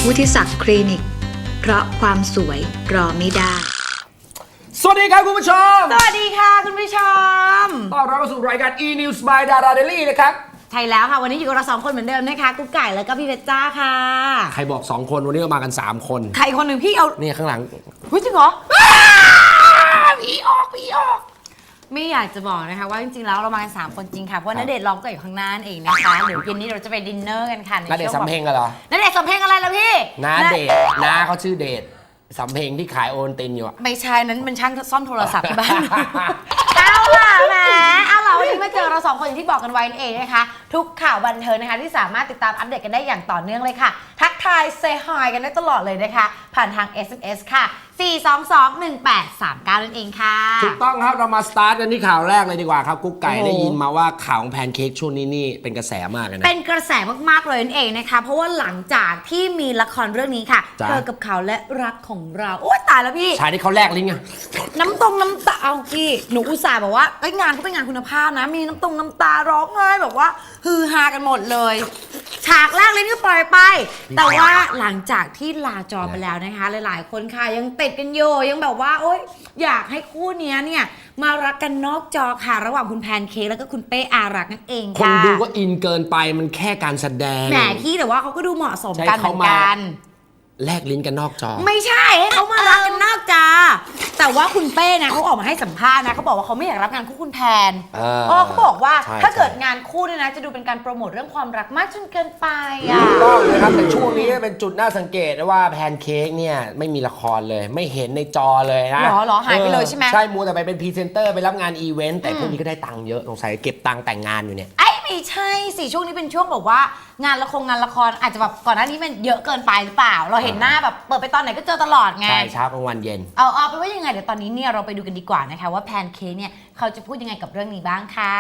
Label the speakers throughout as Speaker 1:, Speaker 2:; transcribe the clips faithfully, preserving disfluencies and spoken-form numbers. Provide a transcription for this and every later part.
Speaker 1: วุฒิศักดิ์คลินิกเพราะความสวยรอไม่ได้
Speaker 2: สวัสดีครับคุณผู้ชม
Speaker 3: สวัสดีค่ะคุณผู้ชม
Speaker 2: ต้อนรับเข้าสู่รายการ e-news by Dara Daily นะครับ
Speaker 3: ใช่แล้วค่ะวันนี้อยู่กับเราสองคนเหมือนเดิมนะคะกุ๊กไก่แล้วก็พี่เพชรจ้าค่ะ
Speaker 2: ใครบอกสองคนวันนี้เรามากันสามคน
Speaker 3: ใครคนหนึ่งพี่เอา
Speaker 2: นี่ข้างหลัง
Speaker 3: เฮ้ยจริงเหรอ
Speaker 2: ผีออกผีออก
Speaker 3: ไม่อยากจะบอกนะคะว่าจริงๆแล้วเรามากันสามคนจริงค่ะเพราะณเดชน์ร้องก็อยู่ข้างหน้าเองนะคะเดี๋ยวเย็นนี้เราจะไปดินเนอร์กันค่ะ
Speaker 2: ณเดชน์สำเพ็งกันเหรอ
Speaker 3: ณเดชน์สำเพ็งอะไรล่ะพี่
Speaker 2: ณเดชน์น้าเขาชื่อเดชสำเพ็งที่ขายโอนตินอยู่อะ
Speaker 3: ไม่ใช่นั้นเป็นช่างซ่อมโทรศัพท์ที่บ้านเอาล่ะแหมเอาล่ะวันนี้มาเจอเราสองคนอย่างที่บอกกันไว้นั่นเองนะคะทุกข่าวบันเทิงนะคะที่สามารถติดตามอัปเดตกันได้อย่างต่อเนื่องเลยค่ะทักทายเซฮายกันได้ตลอดเลยนะคะผ่านทาง เอส เอ็ม เอส ค่ะสี่ สอง สอง หนึ่ง แปด สาม เก้านั่นเองค่ะ
Speaker 2: ถูกต้องครับเรามาสตาร์ทกันที่ข่าวแรกเลยดีกว่าครับกุ๊กไก่ได้ยินมาว่าข่าวของแพนเค้กช่วงนี้นี่เป็นกระแสมากเลยนะ
Speaker 3: เป็นกระแสมากๆเลยนั่นเองนะคะเพราะว่าหลังจากที่มีละครเรื่องนี้ค่ะเธอกับเขาและรักของเราโอ๊ยตายแล้วพี่
Speaker 2: ชายที่เขาแลกลิ้นไง
Speaker 3: น้ำตรงน้ำตาเอาพี่หนูอุตส่าห์บอกว่าไอ้งานก็เป็นงานคุณภาพนะมีน้ำตรงน้ำตาร้องไห้แบบว่าฮือฮากันหมดเลยฉากแรกเลยนี่ก็ปล่อยไปแต่ว่าหลังจากที่ลาจอไปแล้วนะคะหลายๆคนค่ะยังติดกันอยู่ยังแบบว่าโอ๊ยอยากให้คู่นี้เนี่ยมารักกันนอกจอค่ะระหว่างคุณแพนเค้กแล้วก็คุณเป้อารักนั่นเองค่ะ
Speaker 2: คนดูก็อินเกินไปมันแค่การแสดง
Speaker 3: แหมพี่แต่ว่าเขาก็ดูเหมาะสมกันเหมือนกัน
Speaker 2: แลกลิ้นกันนอกจอ
Speaker 3: ไม่ใช่ให้เขามารักกันนอกจอแต่ว่าคุณเป้นะเขาออกมาให้สัมภาษณ์นะเขาบอกว่าเขาไม่อยากรับงานคู่คุณแพนอ๋อเขาบอกว่าถ้าเกิดงานคู่เนี่ยนะจะดูเป็นการโปรโมทเรื่องความรักมากจนเกินไปอ่ะ
Speaker 2: ถูกต้องนะครับแต่ช่วงนี้เป็นจุดน่าสังเกตว่าแพนเค้กเนี่ยไม่มีละครเลยไม่เห็นในจอเลยนะ
Speaker 3: หรอหรอหายไปเลยใช่ไหม
Speaker 2: ใช่มัวแต่ไปเป็นพรีเซนเตอร์ไปรับงานอีเวนต์แต่พวกนี้ก็ได้ตังค์เยอะสงสัยเก็บตังค์แต่งงานอยู่เนี่ย
Speaker 3: ไอ้ไม่ใช่สิช่วงนี้เป็นช่วงแบบว่างานละครงานละครอาจจะแบบก่อนหน้านี้มันเยอะเกินไปหรือเปล่าเราเห็นหน้าแบบเปิดไปตอนไหนก็เจอตลอดไง
Speaker 2: ใช่เช้ากลางวันเย็น
Speaker 3: เอาเอาไปว่ายังไงเดี๋ยวตอนนี้เนี่ยเราไปดูกันดีกว่านะคะว่าแพนเค้กเนี่ยเขาจะพูดยังไงกับเรื่องนี้บ้างค่ะ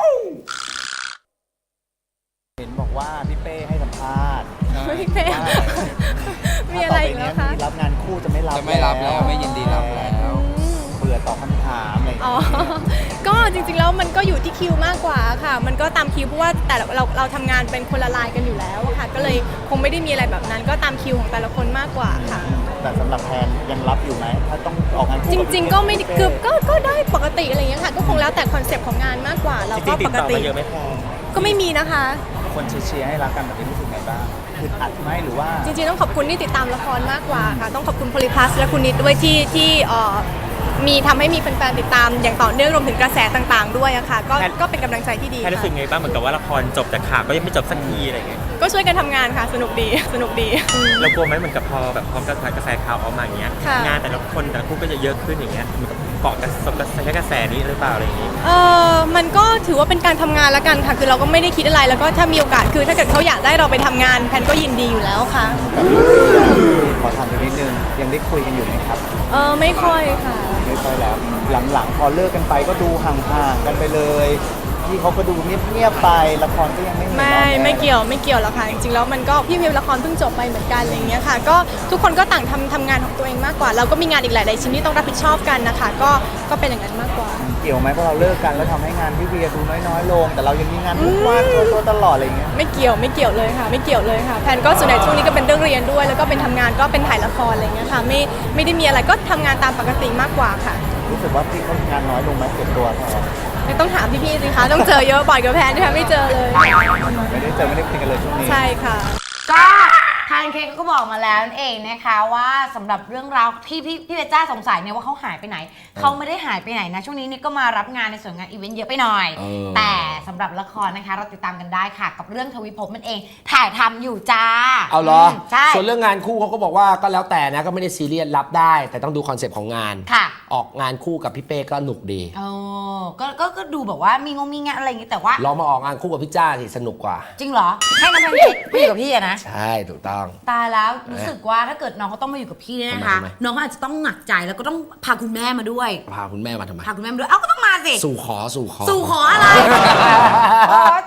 Speaker 4: เห็นบอกว่าพี่เป้ให้สัมภาษณ์
Speaker 5: พี่เป้มีอะไรอีกแล้วคะ
Speaker 4: รับงานคู่จะไม่รับ
Speaker 6: จะไม่รับแล้วไม่ยินดีรับแล้ว
Speaker 4: เบื่อตอบคำถามอะไรอ๋อ
Speaker 5: ก็จริงๆแล้วมันก็อยู่ที่คิวมากกว่าค่ะมันก็ตามคิวเพราะว่าแต่เราเราทำงานเป็นคนละลายกันอยู่แล้วค่ะก็เลยคงไม่ได้มีอะไรแบบนั้นก็ตามคิวของแต่ละคนมากกว่าค่ะ
Speaker 4: แต่สำหรับแพนยังรับอยู่ไหมถ้าต้องออกงานคู่
Speaker 5: จริงๆก็ไม่คือก็ก็ได้ปกติอะไรอย่างเงี้ยค่ะก็คงแล้วแต่คอนเซปต์ของงานมากกว่าเราก็ปกติ
Speaker 4: เยอะไม่พอ
Speaker 5: ก็ไม่มีนะคะ
Speaker 4: คนเชียร์ให้รักกันแบบนี้รู้สึกไงบ้างอึดอัดไหมหรือว่า
Speaker 5: จริงๆต้องขอบคุณที่ติดตามละครมากกว่าค่ะต้องขอบคุณโพลิพลัสและคุณนิดด้วยที่ที่เอ่อมีทำให้มีแฟนๆติดตามอย่างต่อเนื่องรวมถึงกระแสต่างๆด้วยอะค่ะก็ก็เป็นกำลังใจที่ดี
Speaker 6: ค่ะรู้สึกไงบ้างเหมือนกับว่าละครจบแต่ข่าวก็ยังไม่จบสักทีอะไรเงี้ย
Speaker 5: ก็ช่วยกันทำงานค่ะสนุกดีสนุกดี
Speaker 6: เรากลัวไหมเหมือนกับพอแบบพร้อมกับกระแสข่าวออกมาอย่างเงี้ยงานแต่ละคนแต่ละคู่ก็จะเยอะขึ้นอย่างเงี้ยเหมือนกับเกาะกระแสกระแสนี้หรือเปล่าอะไรอย่างงี้
Speaker 5: เออมันก็ถือว่าเป็นการทำงานแล้วกันค่ะคือเราก็ไม่ได้คิดอะไรแล้วก็ถ้ามีโอกาสคือถ้าเกิดเขาอยากได้เราไปทำงานแพนก็ยินดีอยู่แล้วค่ะ
Speaker 4: ขอถามนิดนึงยังได้คุยกันอยู่ไหมครับ
Speaker 5: เออไม่ค่อยค่ะ
Speaker 4: ไม่ค่อยแล้วหลังๆพอเลิกกันไปก็ดูห่างๆกันไปเลยที่เขาก็ดูเงียบๆไปละครก็ยังไม่
Speaker 5: ไม่ไม่เกี่ยวไม่เกี่ยวหรอกค่ะจริงๆแล้วมันก็พี่พิมละครเพิ่งจบไปเหมือนกันอะไรเงี้ยค่ะก็ทุกคนก็ต่างทำทำงานของตัวเองมากกว่าเราก็มีงานอีกหลายๆชิ้นที่ต้องรับผิดชอบกันนะคะก็ก็เป็นอย่างนั้นมากกว่า
Speaker 4: เกี่ยวไหมเพราะเราเลิกกันแล้วทำให้งานพี่เวียดูน้อยๆลงแต่เรายังมีงานทุกวันตัวตลอดอะไรเงี้ย
Speaker 5: ไม่เกี่ยวไม่เกี่ยวเลยค่ะไม่เกี่ยวเลยค่ะแพนก็ส่วนใหญ่ช่วงนี้ก็เป็นเรื่องเรียนด้วยแล้วก็เป็นทำงานก็เป็นถ่ายละครอะไรเงี้ยค่ะไม่ไม่ได้มีอะไรก็ทำงานตามปกติมากกว่าค่ะ
Speaker 4: รู้สึกว่าพี่เขางานน้อยลงไหมเก็บตัวแทน
Speaker 5: ไม่ต้องถามพี่ๆสิคะต้องเจอเยอะบ่อยกับแพนนะคะไม่เจอเลย
Speaker 4: ไม่ได้เจอไม่ได้คุยกันเลยช่วงนี้
Speaker 5: ใช่ค่ะ
Speaker 3: ก็แพนเค้กก็บอกมาแล้วนั่นเองนะคะว่าสำหรับเรื่องราวที่พี่พี่เบจ้าสงสัยเนี่ยว่าเขาหายไปไหนเขาไม่ได้หายไปไหนนะช่วงนี้นี่ก็มารับงานในส่วนงานอีเวนต์เยอะไปหน่อยแต่สำหรับละครนะคะเราติดตามกันได้ค่ะกับเรื่องทวิภพมันเองถ่ายทำอยู่จ้า
Speaker 2: เอาเหรอใช่ส่วนเรื่องงานคู่เขาก็บอกว่าก็แล้วแต่นะก็ไม่ได้ซีเรียสรับได้แต่ต้องดูคอนเซปต์ของงาน
Speaker 3: ค่ะ
Speaker 2: ออกงานคู่กับพี่เป้ก็หนุกดี
Speaker 3: โอ้ก็ก็ดูแบบว่ามีงงมีงานอะไรอย่างงี้แต่ว่า
Speaker 2: ลองมาออกงานคู่กับพี่จ้าสิสนุกกว่า
Speaker 3: จริงเหรอให้น้องแพนเค้กไปอยู่กับพี่อะนะ
Speaker 2: ใช่ถูกต้อง
Speaker 3: ตายแล้วรู้สึกว่าถ้าเกิดน้องเขาต้องมาอยู่กับพี่เนี่ยนะคะน้องเขาอาจจะต้องหนักใจแล้วก็ต้องพาคุณแม่มาด้วย
Speaker 2: พาคุณแม่มาทำไม
Speaker 3: พาคุณแม่มาด้วยเอ้าก็ต้องมาสิ
Speaker 2: สู่ขอสู่ขอ
Speaker 3: สู่ขออะไรโอ้ตายแล้วให้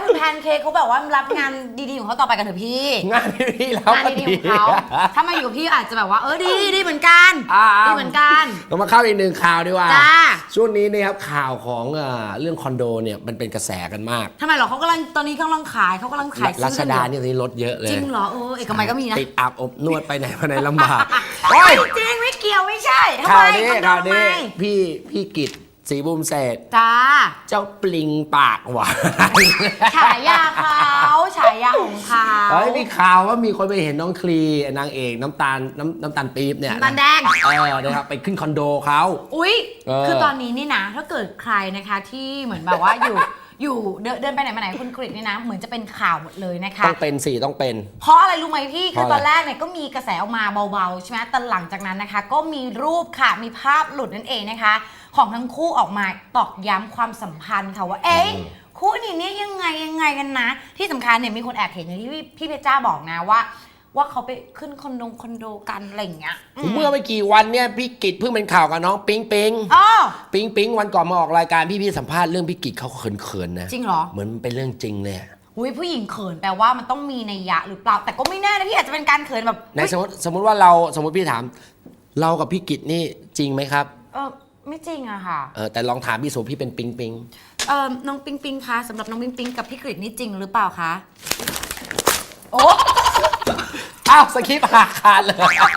Speaker 3: คุณแพนเค้กเขาแบบว่ารับงานดีๆของเขาต่อไปกันเถอะพี่
Speaker 2: งานที่แล้ว
Speaker 3: งานดีๆของเขาถ้ามาอยู่กับพี่อาจจะแบบว่าเออดีดีเหมือนกัน
Speaker 2: อ่า
Speaker 3: ดีเหมือนกัน
Speaker 2: เรามาเข้าอีกหนึ่งข่าวดีกว่า
Speaker 3: จ้า
Speaker 2: ช่วงนี้นะครับข่าวของเอ่อเรื่องคอนโดเนี่ยมันเป็นกระแสกันมาก
Speaker 3: ทำไมเหรอเขากำลังตอนนี้เขากำลังขายเขากำลังขาย
Speaker 2: รัช
Speaker 3: ซื้อ
Speaker 2: ดา
Speaker 3: กันอ
Speaker 2: เนี่ยตอนนี้ลดเยอะเลย
Speaker 3: จริงเหรอเออเอกมัยก็มีนะ
Speaker 2: ติดอาบอบนวดไปไหนมาไหนลำบาก
Speaker 3: ไม่จริงไม่เกี่ยวไม่ใช่ทำ
Speaker 2: ข่า
Speaker 3: ไม
Speaker 2: วนี้
Speaker 3: คอนโด
Speaker 2: ข่าว
Speaker 3: ทำไม
Speaker 2: นี้พี่พี่กิตศรีบุญเศรษฐ์
Speaker 3: จ้า
Speaker 2: เจ้าปลิงปากหวาน
Speaker 3: ฉายาเขาฉายาของเขา
Speaker 2: เฮ้ยมีข่าวว่ามีคนไปเห็นน้องคลีนางเอกน้ำตาลน้ำน้ำตาลปี๊บเนี่ย
Speaker 3: น้ำตาลแดง
Speaker 2: เออนะครับไปขึ้นคอนโดเขา
Speaker 3: อุ๊ย
Speaker 2: เออ
Speaker 3: คือตอนนี้นี่นะ ถ้าเกิดใครนะคะที่เหมือนแบบว่าอยู่ อยู่เดินเดินไปไหนมาไหนคุณกริชนี่นะ เหมือนจะเป็นข่าวหมดเลยนะคะ
Speaker 2: ต้องเป็นสี่ต้องเป็น
Speaker 3: เพราะอะไรรู้ไหมพี่ คือ
Speaker 2: เพราะอะไร
Speaker 3: ตอนแรกเนี่ยก็มีกระแสออกมาเบาๆใช่ไหมแต่หลังจากนั้นนะคะ ก็มีรูปค่ะ มีภาพหลุดนั่นเองนะคะ ของทั้งคู่ออกมาตอกย้ำความสัมพันธ์ค่ะว่า เอ๊ะคู่นี้เนี่ยยังไงยังไงกันนะ ที่สำคัญเนี่ยมีคนแอบเห็นอย่างที่พี่พี่เพชรจ้าบอกนะว่า ว่าเขาไปขึ้นคอนโดคอนโดกันอะไรอย่างเงี้ยอืม
Speaker 2: เมื่อไม่กี่วันเนี่ยพี่กิตเพิ่งเป็นข่าวกับน้องปิ๊งปิ๊ง
Speaker 3: อ๋อ
Speaker 2: ปิ๊งปิ๊งวันก่อนมาออกรายการพี่พี่สัมภาษณ์เรื่องพี่กิตเขาเขินๆนะ
Speaker 3: จริงเหรอ
Speaker 2: เหมือนมันเป็นเรื่องจริงเลยอะ
Speaker 3: อุ้ยผู้หญิงเขินแปลว่ามันต้องมีนัยยะหรือเปล่า แต่ก็ไม่แน่นะพี่อาจจะเป็นการเขินแบบ
Speaker 2: ในสมมติสมมติว่าเราสมมติพี่ถาม เรากับพี่กิตนี่จริงไหมครับ
Speaker 3: เออไม่จริงอะค่ะ
Speaker 2: เออแต่ลองถามพี่โสพี่เป็นปิ๊งปิ๊ง
Speaker 3: เออน้องปิงปิงคะสำหรับน้องปิงปิงกับพี่กฤษนี่จริงหรือเปล่าคะโอ้
Speaker 2: อ้าวสคริปต์หักขาดเลย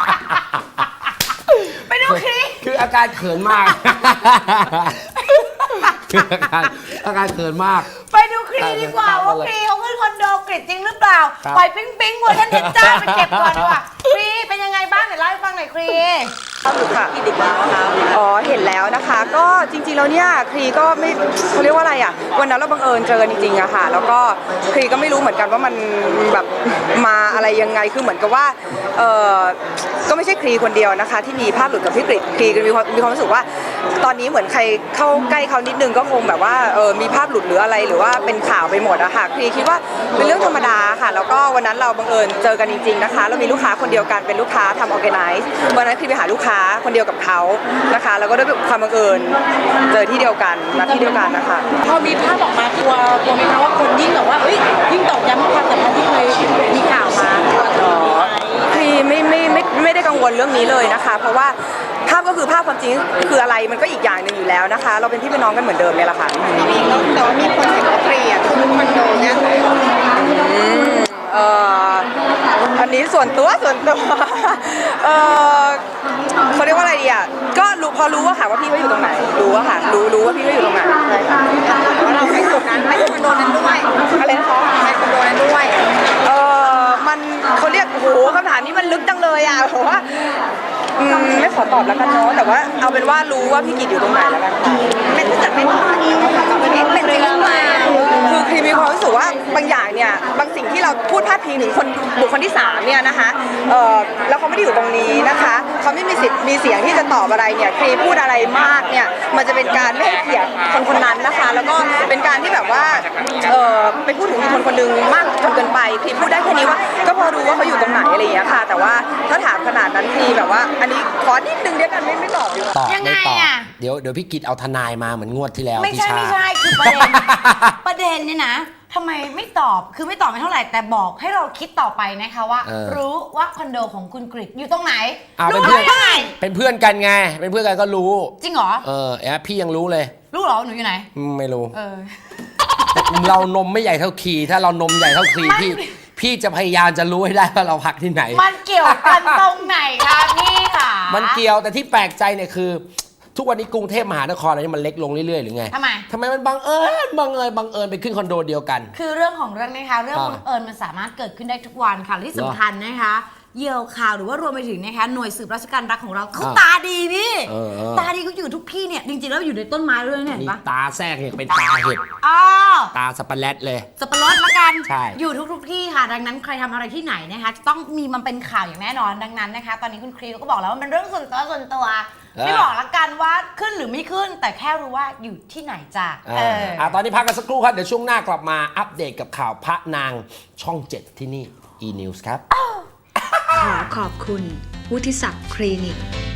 Speaker 3: ไปดูคลิป
Speaker 2: คืออาการเขินมาก คืออาการอาการเขินมาก
Speaker 3: ไปดูคลิปดีกว่าว่าคลิปเขาขึ้นคอนโดกฤษจริงหรือเปล่า
Speaker 2: ครับ
Speaker 3: ปล่อยปิงปิงเวอร์ชันเพชรจ้าไปเก็บก่อนดีกว่าคลิปเป็นยังไงบ้างเดี๋ยวเล่าให้ฟังหน่อยคลิป
Speaker 7: ค่ะอ๋อ เห็นแล้วนะคะ ก็จริงๆ แล้วเนี่ยครีก็ไม่เขาเรียกว่าอะไรอ่ะ วันนั้นเราบังเอิญเจอกันจริงๆอะค่ะ แล้วก็ครีก็ไม่รู้เหมือนกันว่ามันแบบมาอะไรยังไง คือเหมือนกับว่า เออก็ไม่ใช่ครีคนเดียวนะคะ ที่มีภาพหลุดกับพี่กฤษครีก็มีความมีความรู้สึกว่า ตอนนี้เหมือนใครเข้าใกล้เขานิดนึงก็คงแบบว่า เออมีภาพหลุดหรืออะไร หรือว่าเป็นข่าวไปหมดอะค่ะครีคิดว่าเป็นเรื่องธรรมดาค่ะ แล้วก็วันนั้นเราบังเอิญเจอกันจริงๆ นะคะ เรามีลูกค้าคนเดียวกัน เป็นลูกค้าทำออร์แกไนซ์วันนั้นครีไปหาลูกค้าคนเดียวกับเขานะคะ แล้วก็ด้วยความบังเอิญเจอที่เดียวกันนัดที่เดียวกันนะคะ
Speaker 8: พอมีภาพออกมากลัวกลัวไหมคะว่าคนยิ่งแบบว่าเอ้ยยิ่งตอกย้ำความสัมพันธ์ที่เคยมีข่าวมา
Speaker 7: พี่ไม่ไม่ไม่ไม่ได้กังวลเรื่องนี้เลยนะคะ เพราะว่าภาพก็คือภาพความจริงคืออะไรมันก็อีกอย่างหนึ่งอยู่แล้วนะคะ เราเป็นพี่เป็นน้องกันเหมือนเดิมเนี่ยแหละค่ะ
Speaker 8: แต่ว่ามีคนเห็นว่าเปลี่ยนคือคอนโดเนี่ย
Speaker 7: อืมเอ่ออันนี้ส่วนตัวส่วนตัวเออเขาเรียกว่าอะไรดีอ่ะก็รู้พอรู้ว่าค่ะว่าพี่เขาอยู่ตรงไหนรู้ว่าค่ะรู้รู้ว่าพี่เขาอยู่ตรงไหนใช่ค่ะ
Speaker 8: ว่าเราไปตรงนั้นไปคอนโดนั้นด้วย
Speaker 7: อะไรนะคะ
Speaker 8: ไปคอนโดนั้นด้วย
Speaker 7: เออมันเขาเรียกโอ้โหคำถามนี้มันลึกจังเลยอ่ะเพราะว่าอืมไม่ขอตอบแล้วกันเนาะแต่ว่าเอาเป็นว่ารู้ว่าพี่กิตอยู่ตรงไหนแล้วกันค่ะ
Speaker 8: ไม่ถ้าจะไม่ตอบเราเป็นเป็นจริงหรือเปล่า
Speaker 7: คือครีมมีความรู้สึกว่าบางอย่างเนี่ยบางสิ่งที่เราพูดพาดพิงถึงคนบุคคลที่สามเนี่ยนะคะเออแล้วเขาไม่ได้อยู่ตรงนี้นะคะเขาไม่มีสิทธิ์มีเสียงที่จะตอบอะไรเนี่ยครีมพูดอะไรมากเนี่ยมันจะเป็นการไม่ให้เกียรติคนคนนั้นนะคะ แล้วก็เป็นการที่แบบว่าเออไปพูดถึงคนคนหนึ่งมากจนเกินไปครีมพูดได้แค่นี้ว่าก็พอรู้ว่าเขาอยู่ตรงไหนอะไรอย่างเงี้ยค่ะ แต่ว่าถ้าถามขนาดนั้นครีมแบบว่าอันนี้ขอนิดนึงเดียวกันไม่ไม่ตอบดีกว่า
Speaker 2: ตอบ
Speaker 3: ยังไง
Speaker 2: ไม่ตอบ
Speaker 3: อะ
Speaker 2: เดี๋ยวเดี๋ยวพี่กิตเอาทนายมาเหมือนงวดที่แล้ว
Speaker 3: ไม่
Speaker 2: พี่
Speaker 3: ใช่
Speaker 2: ชา
Speaker 3: ไม่ใช่คือประเด็น ประเด็นเนี่ยนะทำไมไม่ตอบคือไม่ตอบไม่เท่าไหร่แต่บอกให้เราคิดต่อไปนะคะว่า
Speaker 2: เออ
Speaker 3: รู้ว่าคอนโดของคุณกฤษอยู่ตรงไหน
Speaker 2: อ้าวเป็น
Speaker 3: รู้
Speaker 2: เพื่อน
Speaker 3: ได้ไง
Speaker 2: เป็นเพื่อนกันไง เป็นเพื่อนกันก็รู้
Speaker 3: จริงเหรอ
Speaker 2: เออแอบพี่ยังรู้เลย
Speaker 3: รู้เหรอหนูอยู่ไหน
Speaker 2: อืมไม่รู้
Speaker 3: เออ
Speaker 2: เรานมไม่ใหญ่เท่าคีถ้าเรานมใหญ่เท่าคี
Speaker 3: มัน
Speaker 2: พี่พี่จะพยายามจะรู้ให้ได้ว่าเราพักที่ไหน
Speaker 3: มันเกี่ยวกันตรงไหนคะพี่ค่ะ
Speaker 2: มันเกี่ยวแต่ที่แปลกใจเนี่ยคือ ทุกวันนี้กรุงเทพมหานครอะไรนี่มันเล็กลงเรื่อยๆหรือไง
Speaker 3: ทำไม
Speaker 2: ทำไมมันบังเอิญบังเอิญบังเอิญไปขึ้นคอนโดเดียวกัน
Speaker 3: คือเรื่องของเรื่องนะคะเรื่อง
Speaker 2: อ่า
Speaker 3: บังเอิญมันสามารถเกิดขึ้นได้ทุกวันค่ะและที่สำคัญนะคะเหยี่ยวข่าวหรือว่ารวมไปถึงนะคะหน่วยสืบราชการรักของเราเขา
Speaker 2: อ่า
Speaker 3: ตาดีพี่
Speaker 2: เออเออ
Speaker 3: ตาดีเขาอยู่ทุกที่เนี่ยจริงๆแล้วอยู่ในต้นไม้ด้วยเนี่ยเห็
Speaker 2: มี
Speaker 3: นปะ
Speaker 2: ตาแทรกเนี่ยเป็นตาเห็ด
Speaker 3: อ๋อ
Speaker 2: ตาสปาเลตเลย
Speaker 3: สับปะรดละกัน
Speaker 2: ใช่
Speaker 3: อยู่ทุกๆที่ค่ะ ดังนั้นใครทำอะไรที่ไหนนะคะจะต้องมีมันเป็นข่าวอย่างแน่นอนดังนั้นนะคะ ตอนนี้คุณครีก็บอกแล้วว่ามันเป็นเรื่องส่วนตัวส่วนตัว ไม่บอกละกันว่าขึ้นหรือไม่ขึ้น แต่แค่รู้ว่าอยู่ที่ไหนจ้ะ
Speaker 2: อ่า
Speaker 3: เออ
Speaker 2: อ่ะตอนนี้พักกันสักครู่ครับ เดี๋ยวช่วงหน้ากลับมาอัปเดตกับข่าวพระนางช่องเจ็ดที่นี่ e-news ครับ
Speaker 1: ขอขอบคุณวุฒิศักดิ์คลินิก